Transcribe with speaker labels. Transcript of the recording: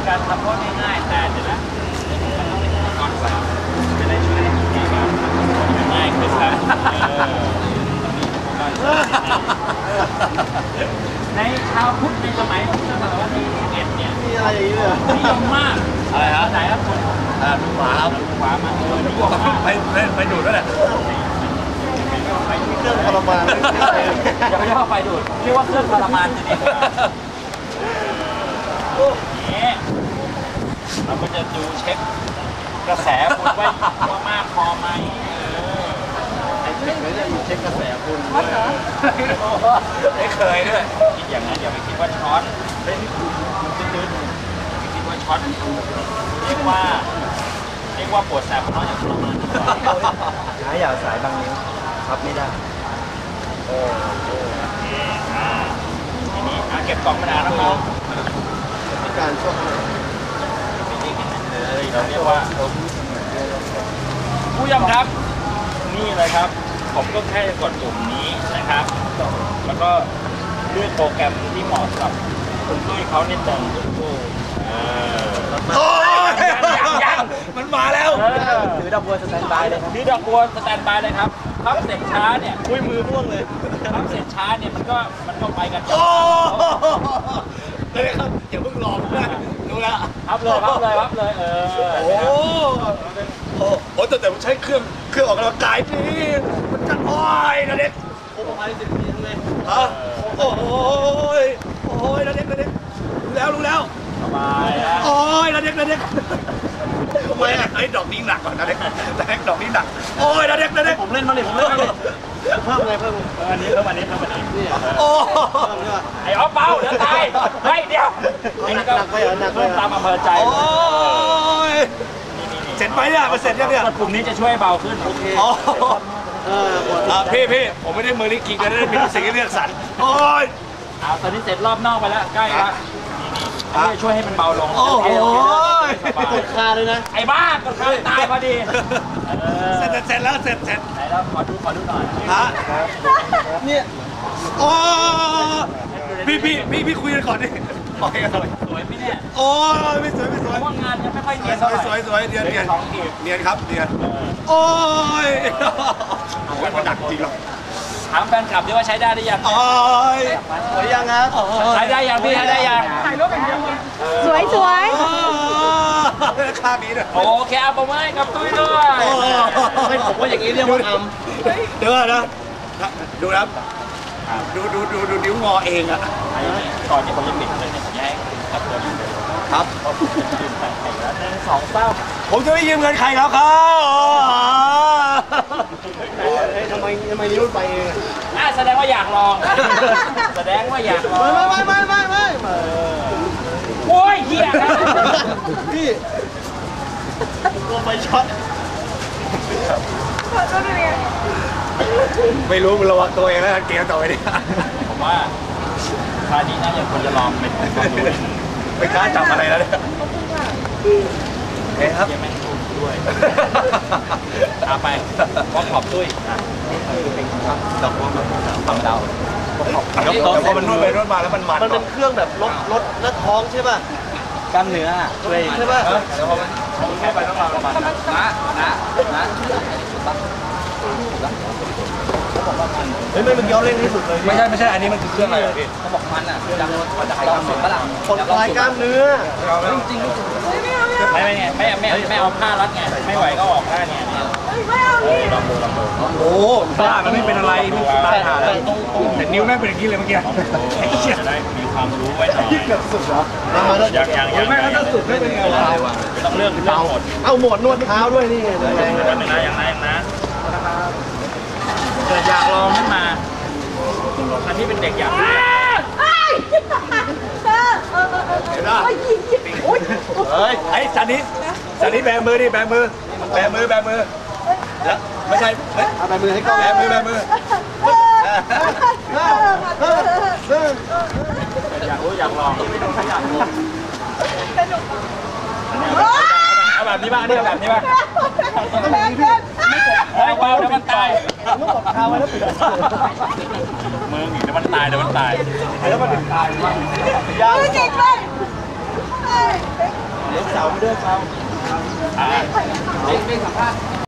Speaker 1: การทำโทษง่ายๆแต่เดี๋ยวนะมันต้องเป็นก่อนสามจะได้ช่วยในการทำโทษง่ายขึ้นนะในชาวพุทธในสมัยพุทธศตวรรษที่11เนี่ย
Speaker 2: มีอะไรอย่างนี้เลย
Speaker 1: นิยมมากอะไรครับไหนครับคุณ
Speaker 2: ดูหมาครับ
Speaker 1: ดูหมามานิยมมาก
Speaker 2: ไปดูดด้วยแหละเครื่องทรมาน
Speaker 1: อย่าไปเรียกว่าไฟดูดเรียกว่าเครื่องทรมานจริงๆนี่เราก็จะดูเช็คกระแสคุณว่ามากพอไหม
Speaker 2: เช็คกระแสคุณ
Speaker 1: ไม่เคยด้วยคิดอย่างนั้นอย่าไปคิดว่าช็อตไม่คิดว่าช็อตเรียกว่าปวดแสบเพราะอย่างทรมาน
Speaker 2: หายาสายบางนิ้วรับไม่ได้
Speaker 1: ทีนี้เก็บกล่องมานานแล้วน้อง
Speaker 2: การช่วง
Speaker 1: เลยเราเรียกว่าผู้ยำครับนี่เลยครับผมก็แค่กดปุ่มนี้นะครับแล้วก็เลือกโปรแกรมที่เหมาะสำหรับคุณตุ้ยเขานิดนึง
Speaker 2: ยังมันมาแล้ว
Speaker 1: ถือดอกบัวสแตนบายเลยครับถือดอกบัวสแตนบายเลยครับพับเสร็จช้าเนี่ย
Speaker 2: คุยมือร่วงเลย
Speaker 1: พับเสร็จช้าเนี่ยมันก็ไปกัน
Speaker 2: เลยครับอย่าเพิ่งรอผมนะดูแล
Speaker 1: พับเลย
Speaker 2: โอ้แต่ผมใช้เครื่องออกกำลังกายนี่มันจะโอ้ยนะเด็กโอ้ย10 ปีทั้งเลยฮะโอ้ยนะเด็กรู้แล้ว
Speaker 1: สบายนะ
Speaker 2: โอ้ยนะเด็กทำไมอ่ะไอ้ดอกนี้หนักกว่านะเด็กดอกนี้หนักโอ้ยนะเด็กผมเล่นมาเลยเพิ่มอันนี้
Speaker 1: โอ้ไอ้อ๊อฟเบาเดี๋ยวตายเฮ้ยเดี๋ยวไอ้นี่ก็เพิ่มตามอำเภอใจ
Speaker 2: โอ้ยเสร็จไหมเนี่ยมันเสร็จยังเนี่ย
Speaker 1: กลุ่มนี้จะช่วยเบาขึ้นโอเค
Speaker 2: พี่ผมไม่ได้มือลิกิกนะได้มีสิ่งที่เลือกสรรโอ้ย
Speaker 1: ตอนนี้เสร็จรอบนอกไปแล้วใกล้แล้วนี่ช่วยให้มันเบาลง
Speaker 2: โอ้โห
Speaker 1: กดคาเลยนะไอ้บ้ากดคาตายพอดี
Speaker 2: เสร็จแล้วไห
Speaker 1: นแล้วขอดูหน่อย
Speaker 2: เนี่ยโอ้พี่คุยกันก่อนดิ
Speaker 1: สวยไหมเนี่ย
Speaker 2: โอ้ยไม่สวย
Speaker 1: ว่างานยังไม่ค่อยเนียนเท่าไหร่
Speaker 2: สวยเนียนครับโอ้ยมันหนักจริงหรอ
Speaker 1: ถามแฟนคลับดิว่าใช้ได้หรือยัง
Speaker 2: โอ้ยสวยยังครับ
Speaker 1: ใช้ได้ยังพี่ใช้ได้ยัง
Speaker 3: ถ่ายรูปอย่างเดียวสวย
Speaker 2: ค่านี้ด้วย
Speaker 1: โอเคเอาประมาณกับตุ้ยด้วย
Speaker 2: ไม่ผมว่าอย่างนี้เรียกว่าทำเดี๋ยวนะดูนะดูนิ้วงอเองอ่ะ
Speaker 1: ก่อนที่ผมจะปิดเลยเนี่ยผมให้
Speaker 2: ครับ
Speaker 1: 2 เป้า
Speaker 2: ผมจะไม่ยืมเงินใครแล้วครับทำไมนิ้วไปเอง
Speaker 1: แสดงว่าอยากลองแสดงว่าอยากลอง
Speaker 2: ไม่
Speaker 1: โอ้ยเหี้ย
Speaker 2: พี่ลงไปช็อตไม่รู้มันระวังตัวเองแล้วเกมต่อไปดิ
Speaker 1: ผมว่าคราวนี้น่าจะควรจะลองเป็น
Speaker 2: ไม่กล้าจับอะไรแล้วเนี่ยเฮ้ยครับ
Speaker 1: ยังไม่ถูกด้วยเอาไปพร้อมขอบด้วย
Speaker 2: ดอกบัว
Speaker 1: ฝั่งดาวย
Speaker 2: กพอมันนวดไปนวดมาแล้วมันเป็นเครื่องแบบลดและท้องใช่ป่ะ
Speaker 1: กล้ามเนื้อ
Speaker 2: ช่วยใช่ป่ะแล้วพอมันเข้าไปต้องมาประมาณนะเฮ้ยมันย้อนเล่นที่สุดเลย
Speaker 1: ไม่ใช่อันนี้มันคือเครื่องอะไรพี่เขาบอกมันอ่ะมันจะลองสุดปะล่ะ
Speaker 2: คนคลายกล้ามเนื้อ
Speaker 1: จริงไม่เอาผ้ารัดไงไม่ไหวก็ออกได้ไงลองดู
Speaker 2: โอ้บ้ามันไม่เป็นอะไรตายหาแล้วแต่นิ้วแม่งเป็นอย่างนี้เลยเมื่อกี้
Speaker 1: จะได้มีความรู้ไว้หน่อย
Speaker 2: เกือบสุดแล้ว
Speaker 1: ยัง
Speaker 2: แม่ถ้าสุดไม่เป็นไง
Speaker 1: ต้องเลือกหมด
Speaker 2: เอาหมดนวดเท้าด้วยนี่ไง
Speaker 1: อย่างนะเกิดอยากลองขึ้นมาอันที่เป็นเด็กอยากเ
Speaker 2: ฮ้ยไอ้สันนี้แบมือดิแบมือแล้วไม่ใช่เอาแบมือให้กล้องแบมือ
Speaker 1: อยากลองเอาแบบนี้บ้างนี่แบบนี้บ้างเฮ้ยเบาเดี๋ยวมันตาย
Speaker 2: ลูกกดคาไว้แล้วปิด
Speaker 1: มึงเดี๋ยวมันตาย
Speaker 2: แล้วมันตายมาก
Speaker 3: ยากเก่งเลย
Speaker 1: ลูกสาวมาด้วยครับ